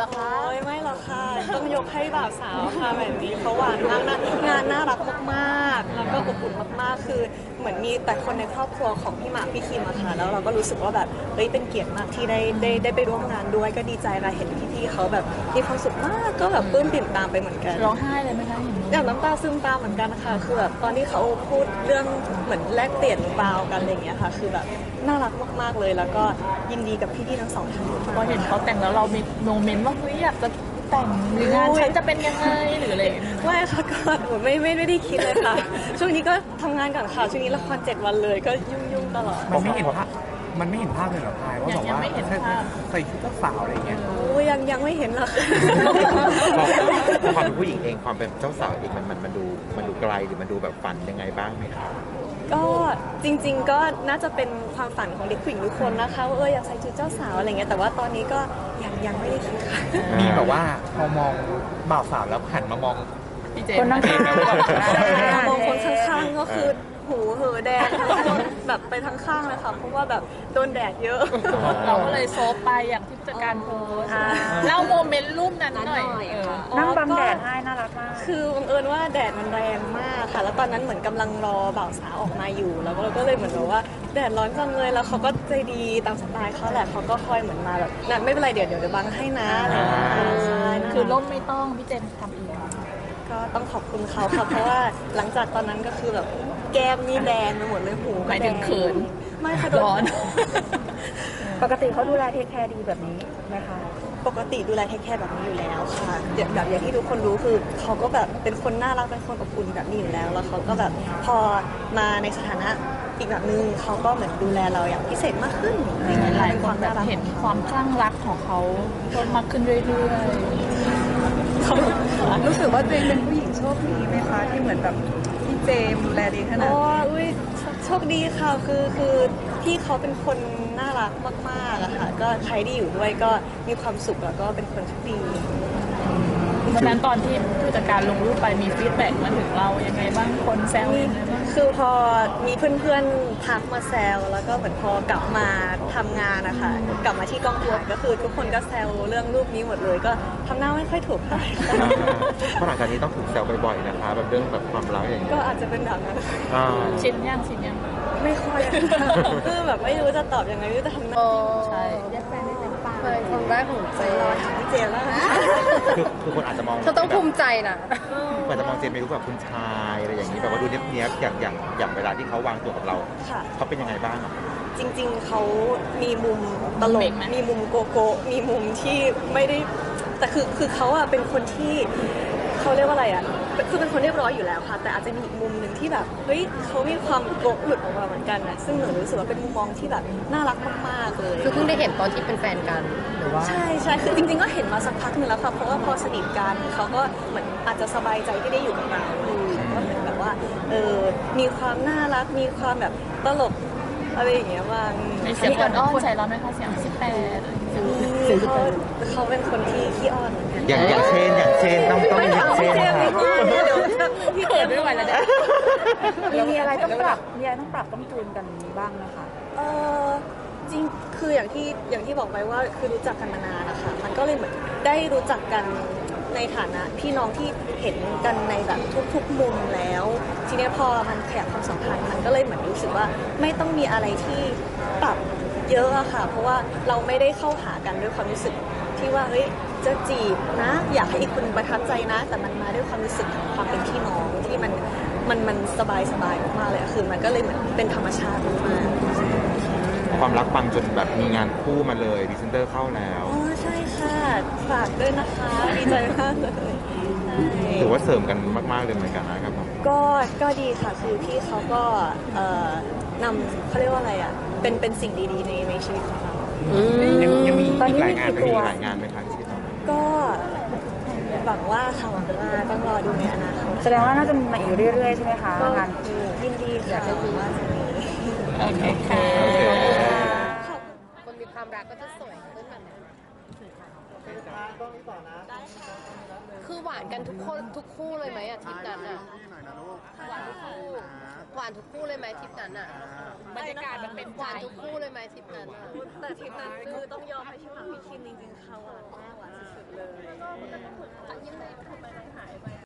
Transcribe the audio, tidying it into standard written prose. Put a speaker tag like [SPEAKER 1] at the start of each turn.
[SPEAKER 1] รอคะ
[SPEAKER 2] ไม่หรอกค่ะต้องยกให้บ่าวสาวค่ะแบบนี้เขาหวานมากนะงานน่ารักมากๆแล้วก็อบอุ่นมากๆคือเหมือนมีแต่คนในครอบครัวของพี่หมากพี่คิมอะค่ะแล้วเราก็รู้สึกว่าแบบเฮ้ยเป็นเกียรติมากที่ได้ไปร่วมงานด้วยก็ดีใจค่ะเห็นพี่ๆเขาแบบมีความสุขมากก็แบบปลื้มปิ่มตามไปเหมือนกัน
[SPEAKER 1] ร้องไห้เลยไหมคะเห็น
[SPEAKER 2] อย่างน้ำตาซึมตามเหมือนกันค่ะคือแบบตอนที่เขาพูดเรื่องเหมือนแลกเปลี่ยนบาวกันอะไรอย่างเงี้ยค่ะคือแบบน่ารักมากๆเลยแล้วก็ยินดีกับพี่ๆทั้งสองท่าน
[SPEAKER 1] พอเห็นเขาแต่งแล้วเรามีโมเมนต์ว่าเฮ้ยอยากจะแต่งหรืองานฉันจะเป็นยังไงหรืออะไร
[SPEAKER 2] ไม่ค่ะก็ไม่ได้คิดเลยค่ะช่วงนี้ก็ทำงานก่อนค่ะช่วงนี้ละคร7 วันเลยก็ยุ่งตลอด
[SPEAKER 3] มันไม่เห็นภาพเลยเหรอพายว่าแบบว่าใส่ชุดเจ้าสาวอะไรอย่างเงี้ย
[SPEAKER 2] ยังไม่เห็นหรอก
[SPEAKER 4] ความเป็นผู้หญิงเองความเป็นเจ้าสาวเองมันดูไกลหรือมันดูแบบฝันยังไงบ้างไหมครับ
[SPEAKER 2] ก็จริงๆก็น่าจะเป็นความฝันของเด็กผู้หญิงทุกคนนะคะว่าอยากใส่ชุดเจ้าสาวอะไรเงี้ยแต่ว่าตอนนี้ก็ยังไม่ได้คิดค่ะ
[SPEAKER 3] มีแบบว่าพอมองบ่าวสาวแล้วหันมามอง
[SPEAKER 1] คนนั่งข้าง
[SPEAKER 2] มองคนข้างๆก็คือหูเหอแดงแบบไปทั้งข้างเลยค่ะเพราะว่าแบบโดนแดดเยอะ
[SPEAKER 1] เราก็เลยโซฟไปอย่างที่ผู้จัดการโพสเล่าโมเมนต์รูปนั้นหน่อย
[SPEAKER 5] นั่งบังแดดให้น่ารักมาก
[SPEAKER 2] คือบังเอิญว่าแดดมันแรงมากค่ะแล้วตอนนั้นเหมือนกำลังรอบ่าวสาวออกมาอยู่แล้วเราก็เลยเหมือนแบบว่าแดดร้อนจังเลยแล้วเขาก็ใจดีตามสไตล์เขาแหละเขาก็คอยเหมือนมาแบบนั่นไม่เป็นไรเดี๋ยวบังให้นะอะไรอย่างเงี้ย
[SPEAKER 1] คือร่มไม่ต้องพี่เจมทำเอง
[SPEAKER 2] ก็ต้องขอบคุณเขาค่ะเพราะว่าหลังจากตอนนั้นก็คือแบบแก้มนี่แดงไปหมดเลยหู
[SPEAKER 1] หมายถึงเขิน
[SPEAKER 2] ไม่ค่ะ
[SPEAKER 1] ร้อน
[SPEAKER 5] ปกติเขาดูแลเทคแคร์ดีแบบนี้ไหมคะ
[SPEAKER 2] ปกติดูแลเทคแคร์แบบนี้อยู่แล้วค่ะแบบอย่างที่ทุกคนรู้คือเขาก็แบบเป็นคนน่ารักเป็นคนอบอุ่นแบบนี้อยู่แล้วแล้วเขาก็แบบพอมาในสถานะอีกแบบนึงเขาก็เหมือนดูแลเราอย่างพิเศษมากขึ้น
[SPEAKER 1] หลายคนแบบเห็นความคลั่งรักของเขาเพิ่มมากขึ้นเรื่อย
[SPEAKER 5] ๆรู้สึกว่าตัวเองเป็นผู้หญิงโชคดีไหมคะที่เหมือนแบบพี่เจมดูแลดีขนาด
[SPEAKER 2] นี้โชคดีค่ะคือพี่เขาเป็นคนน่ารักมากๆอะค่ะก็ใครที่อยู่ด้วยก็มีความสุขแล้วก็เป็นคนโชคดี
[SPEAKER 1] วันนั้นตอนที่ผู้จัดการลงรูปไปมีฟีดแบ็กมาถึงเรายังไงบ้างคนแซวยังไงบ้าง
[SPEAKER 2] คือพอมีเพื่อนๆทักมาแซวแล้วก็เหมือนพอกลับมาทำงานนะคะกลับมาที่กองทัวร์ก็คือทุกคนก็แซวเรื่องรูปนี้หมดเลยก็ทำหน้าไม่ค่อยถูกเท่าไหร่
[SPEAKER 4] เพราะหลังจากนี้ต้องถูกแซวบ่อยๆนะคะแบบเรื่องแบบความรักอย่างนี้
[SPEAKER 2] ก็อาจจะเป็นแบบนั้น
[SPEAKER 1] ชินยัง
[SPEAKER 2] ไม่ค่อยคือแบบไม่รู้จะตอบยังไงไม่รู้จะทำหน้า
[SPEAKER 1] ใช่
[SPEAKER 5] เรียกแฟนได้เต็มปากเลยคนแรกของเจ
[SPEAKER 2] รอถามพี่เจนแล้ว
[SPEAKER 4] คือคนอาจจะมอง
[SPEAKER 5] เธอต้องภูมิใจนะ
[SPEAKER 4] อาจจะมองเจนเป็นรูปแบบคุณชายอะไรอย่างนี้แบบว่าดูเนี้ยบๆอย่างเวลาที่เขาวางตัวกับเราเขาเป็นยังไงบ้าง
[SPEAKER 2] จริงๆเขามีมุมตลกมีมุมโกโก้มีมุมที่ไม่ได้แต่คือเขาอะเป็นคนที่เขาเรียกว่าอะไรอะคือเป็นคนเรียบร้อยอยู่แล้วค่ะแต่อาจจะมีอีกมุมหนึ่งที่แบบเฮ้ยเขามีความโกะหลุดออกมาเหมือนกันนะซึ่งหนูรู้สึกว่าเป็นมุมมองที่แบบน่ารักมากๆเลย
[SPEAKER 5] คือเพิ่งได้เห็นตอนที่เป็นแฟนกันหรือว่า
[SPEAKER 2] ใช่คือจริงๆก็เห็นมาสักพักนึงแล้วค่ะเพราะว่าพอสนิทกันเขาก็เหมือนอาจจะสบายใจที่ได้อยู่กับเราก็เหมือนแบบว่ามีความน่ารักมีความแบบตลกอะไรอย่างเงี้ยบ้าง
[SPEAKER 1] มีเสียงอ้อนใส่เราไหมคะเสียง
[SPEAKER 2] เขาเป็นคนที่ขี้อ้อน
[SPEAKER 4] อย่างเช่นต้องอย่างเช่นค่ะ
[SPEAKER 1] พี่เกิดไม่ไหวแล้วเนี่ย
[SPEAKER 5] มีอะไรต้องปรับต้องจูนกันบ้างนะคะ
[SPEAKER 2] จริงคืออย่างที่บอกไปว่าคือรู้จักกันมานานนะคะมันก็เลยเหมือนได้รู้จักกันในฐานะพี่น้องที่เห็นกันในแบบทุกๆมุมแล้วทีนี้พอมันขยับความสัมพันธ์มันก็เลยเหมือนรู้สึกว่าไม่ต้องมีอะไรที่ปรับเยอะอะค่ะเพราะว่าเราไม่ได้เข้าหากันด้วยความรู้สึกที่ว่าเฮ้ยจะจีบนะอยากให้อีกคนประทับใจนะแต่มันมาด้วยความรู้สึกของความเป็นพี่น้องที่มันสบายมากเลยคือมันก็เลยเหมือนเป็นธรรมชาติมาก
[SPEAKER 4] ความรักปังจนแบบมีงานคู่มาเลยพรีเซนเตอร์เข้าแล้ว
[SPEAKER 2] ใช่ค่ะฝากด้วยนะคะดีใจมากเลย
[SPEAKER 4] ถือว่าเสริมกันมากๆเลยเหมือนกันนะครับ
[SPEAKER 2] ก็ดีค่ะคือพี่เขาก็นำเขาเรียกว่าอะไรอ่ะเป็นสิ่งดีๆในชีวิตของเรา
[SPEAKER 4] ยังมีอีกหลายงานไหมคะที่ต้อง
[SPEAKER 2] ก็หวังว่าค่ะหวังว่าต้องรอดูในอนาคต
[SPEAKER 5] แสดงว่าน่าจะมาอีกเรื่อยๆใช่ไหมคะงานคู่
[SPEAKER 2] ยินดีค่ะว่าจะมี
[SPEAKER 1] โอเคค่ะ
[SPEAKER 5] คนมีความรักก็จะสวยขึ้นแบบนี้คือหวานกันทุกคู่เลยไหมอะทริปนั้นอะหวานทุกคู่เลยไหมทริปนั้นอะ
[SPEAKER 1] บรรยากาศมันเป็น
[SPEAKER 5] หวานทุกคู่เลยไหมทริปนั้น
[SPEAKER 2] แต่ทริปนั้นคือต้องยอมให้พี่หมากพี่คิมจริงๆค่ะหวานมาก